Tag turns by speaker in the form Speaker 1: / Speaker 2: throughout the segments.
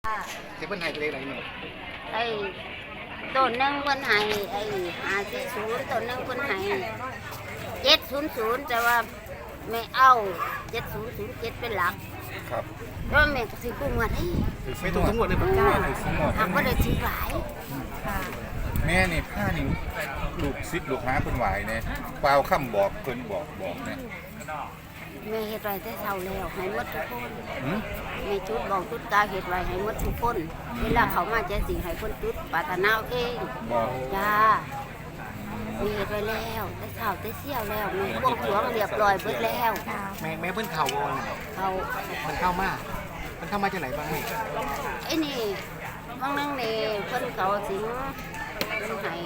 Speaker 1: เพิ่นให้ไปได้ไหนนี่
Speaker 2: ไอ้ต้นหนึ่งเพิ่นให้ไอ้540ต้นหนึ่งเพิ่นให้700แต่ว่าไม่เอา7007เป็นหลัก
Speaker 1: ครับ
Speaker 2: เพราะแม่ก็สิกู้เงินให้
Speaker 1: ไม่ถูกทั้งหมดเลย
Speaker 2: จ้า
Speaker 1: ป่ะถูกทั้งหมด
Speaker 2: หากบ่ได้ซื้อหลาย
Speaker 1: แม่นี่ผ้านี่ลูกศิษย์ลูกหาเพิ่นไหวเนี่ยเปล่าคำบอกเพิ่นบอกเนี่ย
Speaker 2: แม่เฮ็ดไว้แต่เช้าแล้วให้หมดทุกคน
Speaker 1: หือ
Speaker 2: แม่จุดบอกจุดกาเฮ็ดไว้ให้หมดทุกคนเวลาเขามาจะสิให้เพิ่นจุดปรารถนาเอง
Speaker 1: บอก
Speaker 2: จ้ามีเฮ็ดไว้แล้วแต่เช้าแต่เสี้ยวแล้วมีบวงสรวงเรียบร้อยเบิดแล้ว
Speaker 3: แม่เพิ่นเข่าบ่
Speaker 2: เขา
Speaker 3: มันเข้ามาจากไหนบ้าง
Speaker 2: ไอ้นี่บางนั่งนี่เพิ่นเขาสิงเพิ่นให้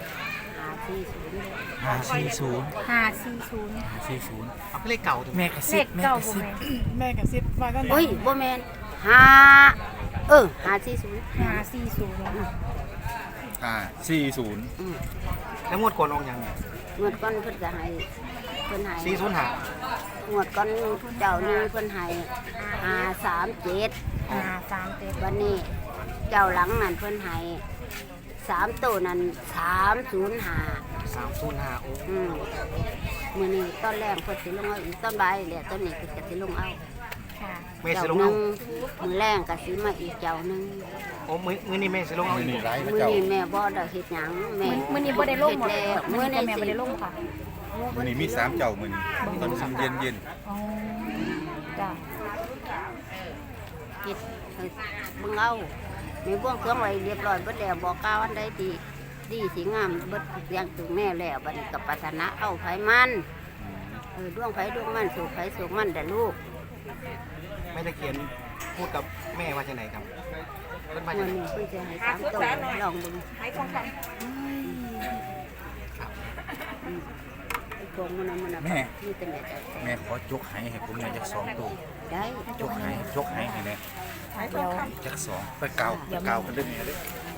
Speaker 4: 540
Speaker 3: เอาเลขเก่าถูก
Speaker 4: แม่กระซิบว่ากัน
Speaker 2: โอ้ยบ่แม่น
Speaker 1: 540
Speaker 3: แล้วงวดก่อนออกยัง
Speaker 2: งวดก่อนเพิ่นก็ให้เพิ่นให้
Speaker 3: 405
Speaker 2: งวดก่อนทุกเจ้านึงเพิ่นให้537วันนี้เจ้าหลังนั่นเพิ่นให้3ตัวนั้น305
Speaker 3: โอ้
Speaker 2: มื้อนี้ตอนแรกเพิ่นสิลงเอาอีกตอนบ่ายแล้วตอนนี้เพิ่นก็สิลงเอา
Speaker 3: แม่สิลงเอา
Speaker 2: มื้อแรงก็สิมาอีกเจ้านึง
Speaker 3: โอ้มื้อนี้แม่สิลงเอาอีก
Speaker 2: มื้อนี้แม่บ่ได้เฮ็ดหยังแม่
Speaker 4: มื้อนี้บ่ได้ลงหมดมื้อนี้แม่บ่ได้ลงค่ะ
Speaker 1: มื้อนี้มี3เจ้ามื้อนี้ตอนเย็น
Speaker 4: อ๋อจ้ะ
Speaker 2: เฮ็ดเบิ่งเอาแม่บ่วงเครื่องไว้เรียบร้อยเบิดแล้วบอกกล่าวอันใดดีสิงามเบิดทุกอย่างถึงแม่แล้วบัดนี้ก็ปรารถนาเอาไผมันดวงไผดวงมันสุขไผสุขมันเด้อลูก
Speaker 3: แม่ตะเคียนพูดกับแม่ว่าจังไดครับเพิ่นว่าจังได๋
Speaker 2: เพิ่นจะให้3ตัวลองเบิ่งให้ของกันพวกมัน
Speaker 1: แม่
Speaker 2: มีแต่แม่จะ
Speaker 1: แม่ขอยกให้ผมเนี่ยจัก2ตัว
Speaker 2: ได้
Speaker 1: ยกให้นี่แน่
Speaker 4: เดี๋ยว
Speaker 1: จัก2ไปเกากันเด้อแม่เด้อ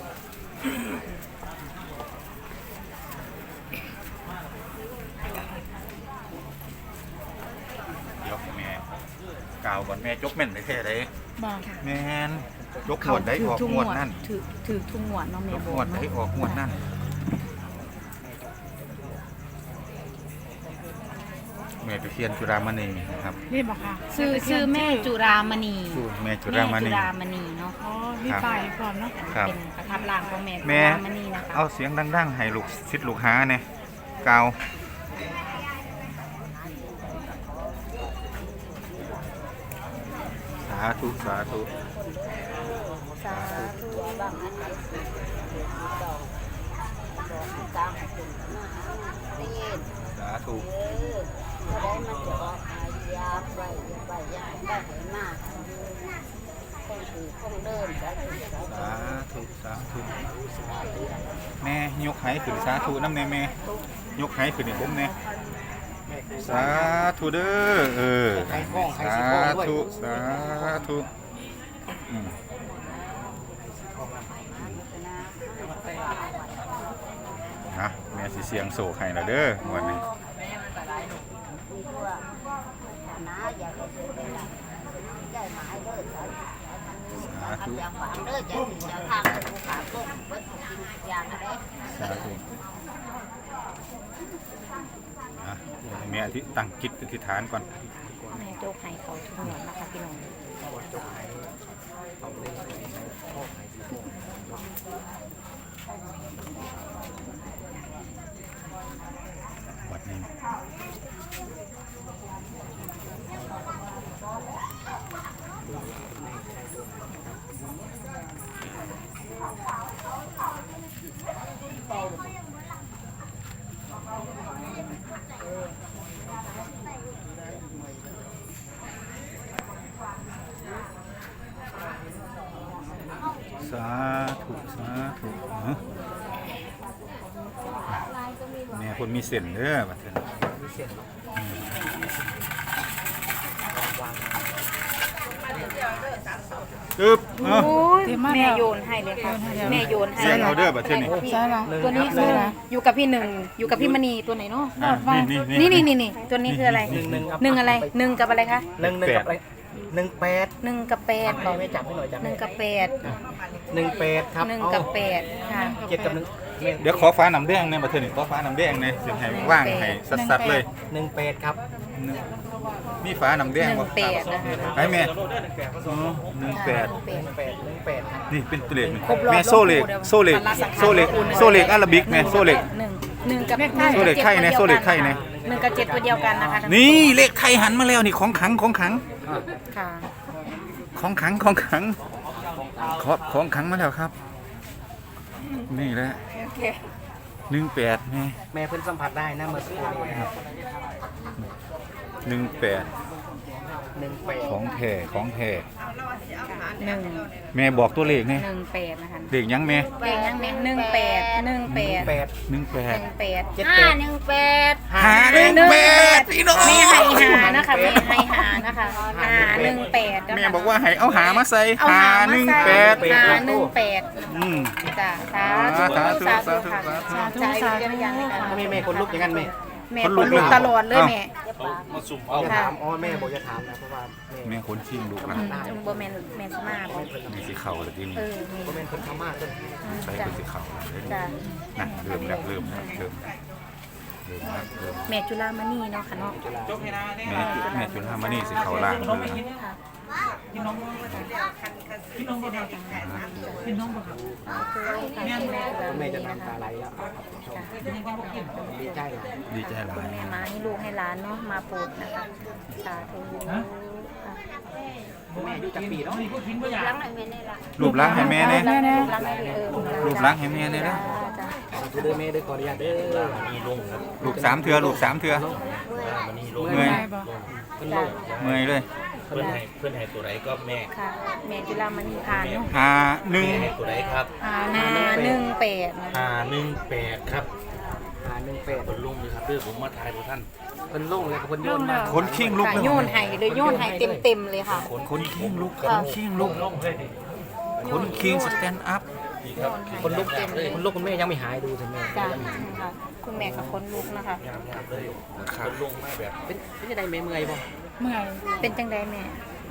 Speaker 1: เดี๋ยวแม่กาวก่อนแม่จกแม่นได้แท้เลยแม่นจกหมวดได้ออกหมวดนั่น
Speaker 4: ถือทุ่งหวดเนาะแม่
Speaker 1: หมวดได้ออกหมวดนั่นแม่ตะเคียนจุฬามณีนะครับ
Speaker 4: นี่บอกค่ะชื่อแม่จุฬามณี
Speaker 1: แม่จุฬาม
Speaker 4: ณีเนาะ
Speaker 1: อ๋อ
Speaker 4: มีป้ายพร้อมเนาะเป็นประทับร่างของแม่จุฬามณีนะคะ
Speaker 1: เอาเสียงดังๆให้ลูกศิษย์ลูกหาเนี่ยกาวสาธุ
Speaker 2: สาธุบางอันตามได้ยิน
Speaker 1: สาธุ
Speaker 2: ได้มันจะออกยาไปยาได้เห็นมากคงถือคงเดินสา
Speaker 1: ธุแม่ยกให้ขึ้นสาธุน้ำแม่ยกให้ขึ้นให้ผมแน่สาธุเด้อสาธุนะแม่สิเสียงโศกให้แล้วเด้อวันนี้สาธุแม่ตั้งจิตอธิษฐานก่อน
Speaker 4: แม่โจกให้เขาทุกหมดนะคะพี่น้อง
Speaker 1: วัดนี้สาธุแม่คนมีเส้นเด้อบัดนี้มีเส้นปึ๊บ
Speaker 4: แม่โยนให้เลยค่ะแม่โยนให้
Speaker 1: เสียงเอาเด้อบัดนี้
Speaker 4: ตัวนี้คืออยู่กับพี่หนึ่งอยู่กับพี่มณีตัวไหนเนาะนี่ตัวนี้คืออะไร1อะไร1กับอะไรคะ
Speaker 3: 1กับอะไร 18
Speaker 4: 1 กับ 8
Speaker 3: ไม่จับให้หน่อยจับ
Speaker 4: 1 กับ
Speaker 3: 18ครับ
Speaker 4: 8 1 กับ 8ค่ะ
Speaker 3: 7 กับ 1
Speaker 1: เดี๋ยวขอฟ้าน้ำแดงเนี่ยมาเถอะนี่ขอฟ้าน้ำแดงเนี่ยเสียงให้ว่างให้สัดๆเลย
Speaker 3: 18ครับ
Speaker 1: มีฟ้าน้ำแดงบ่
Speaker 4: 18นะคะ
Speaker 1: ไอ้แม่อ๋อ18
Speaker 3: 18ครับ
Speaker 1: นี่เป็นตัวเลขนี่
Speaker 4: ครบรอบ
Speaker 1: แม่โซเล็กโซเล็กโซเล็กโซเล็กอาราบิกแม่โซเล็ก
Speaker 4: 1กับ
Speaker 1: โซเล็กไทยนะโซเล็กไทยนะ
Speaker 4: 1กับ7ตัวเดียวกันนะคะ
Speaker 1: นี่เลขไทยหันมาแล้วนี่ของขังของขัง
Speaker 4: ค่ะ
Speaker 1: ของขังของขังของขังมาแล้วครับ นี่แหละ18แม่
Speaker 3: แม่เพิ่นสัมผัสได้นะเมื่อสักครู่นี้นะครับ
Speaker 1: 18
Speaker 3: 18
Speaker 1: ของแท้ของแท้
Speaker 4: 1
Speaker 1: แม่บอกตัวเลขนี่
Speaker 4: 18นะคะ
Speaker 1: เลขยังแม่
Speaker 4: เลขยังแม่18
Speaker 1: 18
Speaker 2: 518
Speaker 1: 518พี่น้อง
Speaker 4: แม่ให้หานะคะแม่ให้หานะคะ518
Speaker 1: แม่บอกว่าให้เอาหามาใส่
Speaker 4: เอาหามาใส่
Speaker 1: 518
Speaker 4: 518
Speaker 1: อืม
Speaker 4: จ้ะสาธุสาธุค่ะสาธุสาธุอย่างนี้ค่ะ
Speaker 3: ถ้าแม่คนลุกอย่างนั้นแม่
Speaker 4: แม่คนลุกตลอดเลยแม่
Speaker 3: อย่าถามแม่บอกอย่าถามนะเพราะว่าแม่
Speaker 1: แม่คนชิงลูกนะ
Speaker 4: บ่แม่นแม่สมาบ่
Speaker 1: มีสีเข่าเลยที่นี่
Speaker 4: นี่
Speaker 3: ก็เป็นคนพม่าต้น
Speaker 1: ใส่เป็นสีเข่าเลย
Speaker 4: จ้ะ
Speaker 1: นะเริ่มแล้วเริ่มแล้วเริ่มแล้ว
Speaker 4: แม่จุฬามณีเนาะค่ะเนาะ
Speaker 1: แม่จุนทามานี่สีเข่าล่างเลยนะ
Speaker 4: ค่ะแม่
Speaker 3: แม่จะน้ำตาไหลแล้วดีใจเหรอ
Speaker 1: ดีใจหลาย
Speaker 4: แม่มาให้ลูกให้หลานเนาะมาโปรดนะคะสาธุ
Speaker 3: แม่อยู่จักปีเนาะ
Speaker 2: หลังไหนแม่นี่ล่ะ
Speaker 1: รูปล้างให้แม่เนี่ย
Speaker 4: รักให้
Speaker 1: รูปล้างให้แม่เนี่ยนะ
Speaker 4: จ้ะ
Speaker 3: สาธุเด้อแม่เด้อขออนุญาตเด้อ
Speaker 1: ลูก3 เทือลูก3 เทือเมื่อย
Speaker 3: เป็นโรค
Speaker 1: เมื่อยเลย
Speaker 5: เพื่อนให้ตัวไหนก็แม่
Speaker 4: ค่ะแม่จุฬามณีผ่านเนาะ
Speaker 1: หาหนึ่ง
Speaker 5: ให้ตัวไหนครับ
Speaker 4: 518นะ
Speaker 5: 518ครับ
Speaker 3: 518
Speaker 5: คนลุงเลยครับเพื่อผมมาทายพวกท่าน
Speaker 3: เป็นโรคอะไรกับคนโยนมา
Speaker 1: คนขิงลูก
Speaker 4: ค่ะโยนให้เลยโยนให้เต็มๆเลยค่ะ
Speaker 1: คนขิงลูกคนขิงลูกคนขิงสแตนด์อัพ
Speaker 5: นี่ครับ
Speaker 3: คนลุกคนลุกคุณแม่ยังไม่หายดูสิแม่
Speaker 4: จ้ะค่ะคุณแม่กับคนลูกนะคะ
Speaker 5: ยามเลยคนลุงมาแบบ
Speaker 3: เป็นยังไงแม่เมื่อยบ่
Speaker 4: เมื่อยเป็นจังไดแม่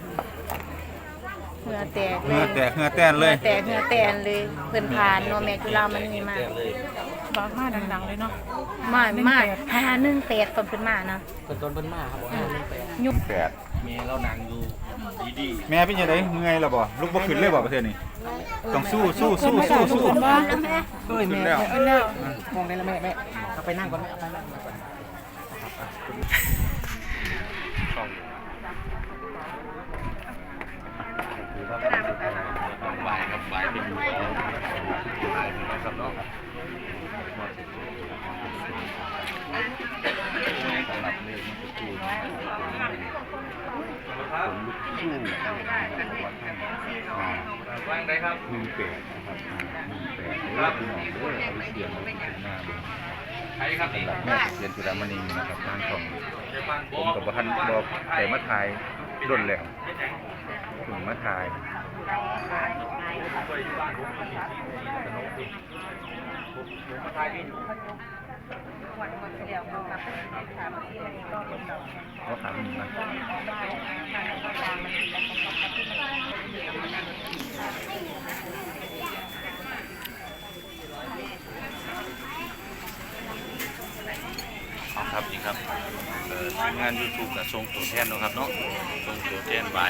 Speaker 4: เหงื่อแตก
Speaker 1: เหงื่อแตกเหงื่อแตนเลย
Speaker 4: เหงื่อแตกเลยเพิ่นผ่านเนาะแม่จุฬามณีมา
Speaker 5: แจ้งเลย
Speaker 6: บอกมาดังๆเลยเนาะ
Speaker 4: มา518ตอนเพิ่นมาเนาะ
Speaker 3: คนต้นเพิ่นมาครับบอก518
Speaker 4: ยุบ
Speaker 5: เมียเรานางอยู่ดี
Speaker 1: แม่เป็นยังไงเมื่อยแล้วบ่ลูกบ่ขึ้นเลยบ่ประเทศนี้ต้องสู้
Speaker 6: เพิ่นว่า
Speaker 3: เฮ้ย
Speaker 1: ขึ้
Speaker 3: แม่
Speaker 1: นแล้ว
Speaker 6: เพิ่นแล้ว
Speaker 3: มองได้แล้วแม่เอาไปนั่งก่อนแม่เอาไปนั่งก่อน
Speaker 5: ๆบ่ายครับบ่ายเป็นบ่ายนะครับเนาะสำหรับเลขมันจะคูณว่างได้ครับ
Speaker 1: 18นะครับ18พี่น้องเด้อเอาไปเสียงเอาไปถึงหน้าเบิ่ง
Speaker 5: ใครครับนี่
Speaker 1: แม่เรียนจุฬามณีนะครับทางช่องผมกับบ่ทันบอกแต่มาถ่ายดนแล้วถึงมาถ่าย เขาถามหนึ่งนะ
Speaker 5: เอาครับนี่ครับทีมงาน YouTube กับทรงตัวแทนเนาะครับเนาะทรงตัวแทนใบ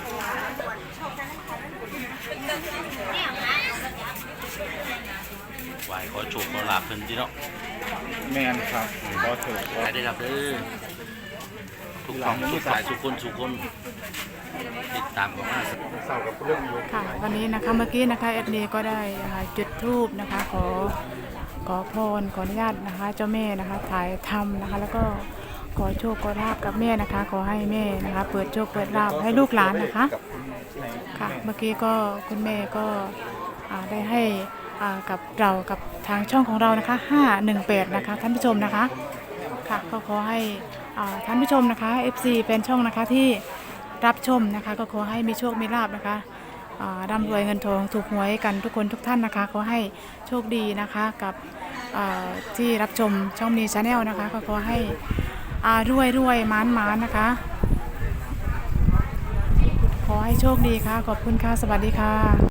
Speaker 5: ไหวขอโชคขอลาบเพิ่นที่เนาะ
Speaker 1: แมนครับขอเถิด
Speaker 5: ขายได้ครับเด้อทุกของทุกสายทุกคนติดตามกันมา
Speaker 1: เศร้ากับเรื่องอยู่
Speaker 6: ค่ะวันนี้นะคะเมื่อกี้นะคะแอดเนก็ได้จุดธูปนะคะขอพรขออนุญาตนะคะเจ้าแม่นะคะถ่ายทำนะคะแล้วก็ขอโชคขอลาบกับแม่นะคะขอให้แม่นะคะเปิดโชคเปิดลาบให้ลูกหลานนะคะค่ะเมื่อกี้ก็คุณแม่ก็ได้ให้กับเรากับทางช่องของเรานะคะ518นะคะท่านผู้ชมนะคะค่ะก็ขอให้ท่านผู้ชมนะคะ FC แฟนช่องนะคะที่รับชมนะคะก็ขอให้มีโชคมีลาบนะคะร่ำรวยเงินทองถูกหวยกันทุกคนทุกท่านนะคะขอให้โชคดีนะคะกับที่รับชมช่องมีชาแนลนะคะก็ขอให้รวยมานนะคะให้โชคดีค่ะ ขอบคุณค่ะ สวัสดีค่ะ